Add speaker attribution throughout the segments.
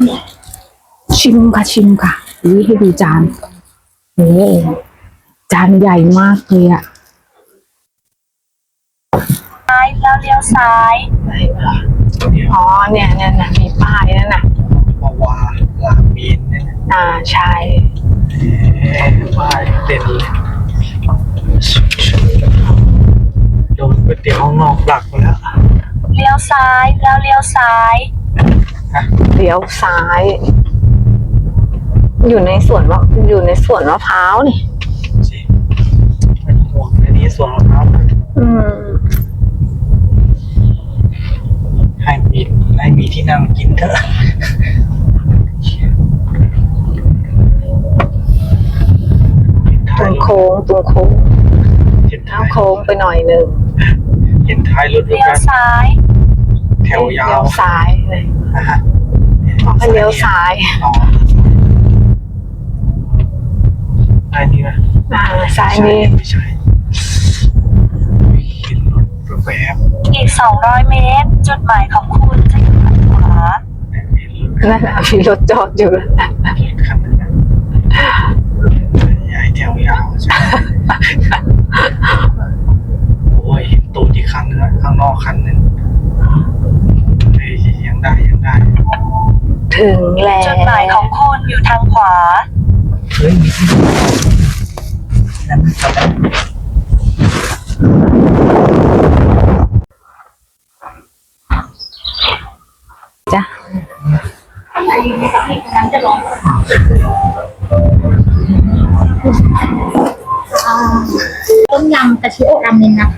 Speaker 1: ชิมค่ะชิมค่ะนี่ให้ดูจานโอ้จานใหญ่มากเลยอะ
Speaker 2: ซ้ายแล้วเลี้ยวซ้าย
Speaker 1: อ๋อเนี่ยมีป้ายนั่นน่ะ
Speaker 3: วาลามีนเนี่ย
Speaker 1: ใช่
Speaker 3: ป้ายเด่นเลยโดนก๋วยเตี๋ยวห้องนอกหลักไปแล้ว
Speaker 2: เลี้ยวซ้ายแล้วเลี้ยวซ้าย
Speaker 1: เลี้ยวซ้ายอยู่ในสวนมะพร้าวนี่
Speaker 3: สิไม่ต้องห่วงในนี้สวนมะพร้าวให้มีที่นั่งกินเถอะ
Speaker 1: ตรงโค้งน้ำโค้งไปหน่อยหนึ่ง
Speaker 3: เห็นท้ายรถด้วย
Speaker 2: เลี้ยว
Speaker 3: กัน
Speaker 2: ซ้าย
Speaker 3: แถวยาว
Speaker 1: เลี้ยวซ้ายเลยให้เลี้ยวซ้าย
Speaker 3: ซ้ายนี่นะ
Speaker 1: ซ้ายนี่
Speaker 3: ไม่ใช่เห็นรถแวบ
Speaker 2: อีก200 เมตรจุดหมายของคุณจะอยู่ทางขวา
Speaker 1: นั่นน่ะมีรถจอดอยู่แล้ว
Speaker 3: คันนึงนะใหญ่แถวยาวใช่โอ้ยเห็นตูดอีกคันนึงข้างนอกคันนึงยังได้
Speaker 1: ถึงแล้ว
Speaker 2: จุดหมายของคุณอยู่ทางขวา
Speaker 3: เฮ้ยมีที่นั่นจอดได้
Speaker 1: จ้ะ
Speaker 4: ต้มยำกะทิโอะราเมนนะคะ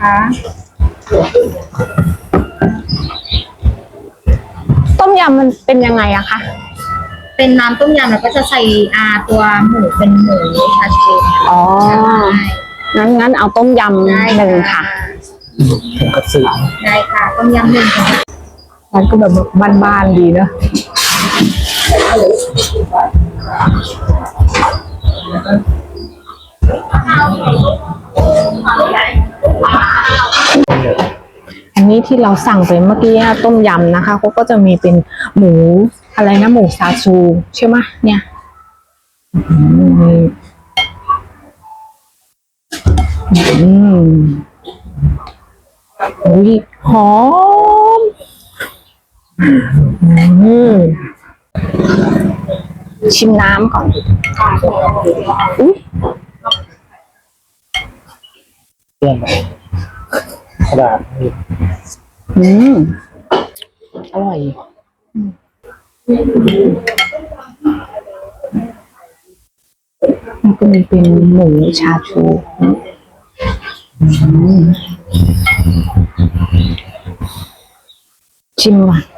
Speaker 1: ต้มยำมันเป็นยังไงอะคะ
Speaker 4: เป็นน้ำต้มยำแล้วก็จะใส่ตัวหมูเป็นหมูชาชู
Speaker 1: อ๋องั้นเอาต้มยำหนึ่งค่ะ
Speaker 3: ถึงกระสือ
Speaker 4: ได้ค่ะต้มยำหนึ่งค่ะ
Speaker 1: มันก็แบบบ้านๆดีเนอะอันนี้ที่เราสั่งไปเมื่อกี้ต้มยำนะคะเขาก็จะมีเป็นหมูอะไรนะหมูซาชูใช่ไหมเนี่ยอุ้ยหอมชิมน้ำก่อนอุ้ย
Speaker 3: เรื่องกระดาษ
Speaker 1: อร่อยมันก็มีเป็นหมูชาชูชิมว่ะ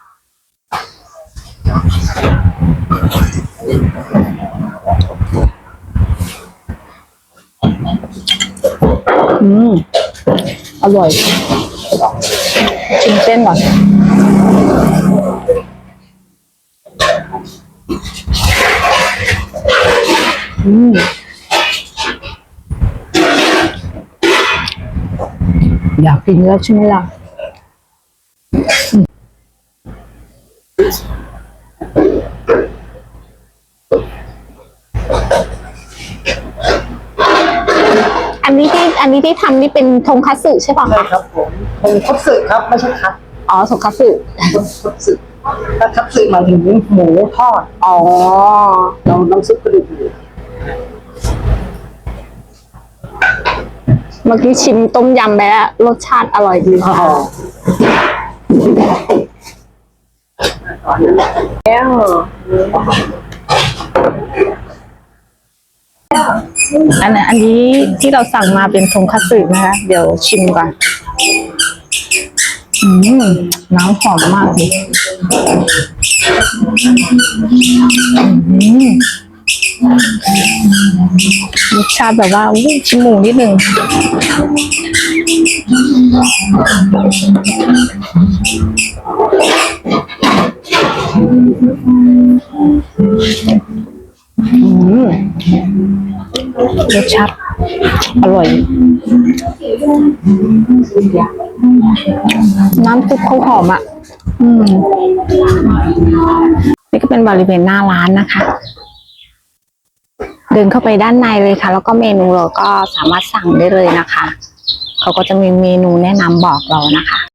Speaker 1: อร่อยชิมเส้นก่อนอยากกินแล้วใช่ไหมล่ะอันนี้ที่ทำนี่เป็นทงคัตสึใช่ป่ะ
Speaker 3: ใช่ครับผมเป็นคัตสึครับไม่ใช่คัต
Speaker 1: อ๋อทงคัตสึ
Speaker 3: คัตสึถ้าคัตสึหมายถึงหมูทอด
Speaker 1: อ๋อ
Speaker 3: เราน้ำซุปกระดูก
Speaker 1: เมื่อกี้ชิมต้มยำไปแล้วรสชาติอร่อยดีค่ะแล้วอันนี้ที่เราสั่งมาเป็นทงคัตสึนะคะเดี๋ยวชิมก่อนน้ำหอมมากเลยรสชาติแบบว่าชิมหมูนิดหนึ่งรสชาติอร่อยน้ำซุปเขาหอมอ่ะนี่ก็เป็นเป็นบริเวณหน้าร้านนะคะ เดินเข้าไปด้านในเลยค่ะ แล้วก็เมนูเราก็สามารถสั่งได้เลยนะคะเขาก็จะมีเมนูแนะนำบอกเรานะคะ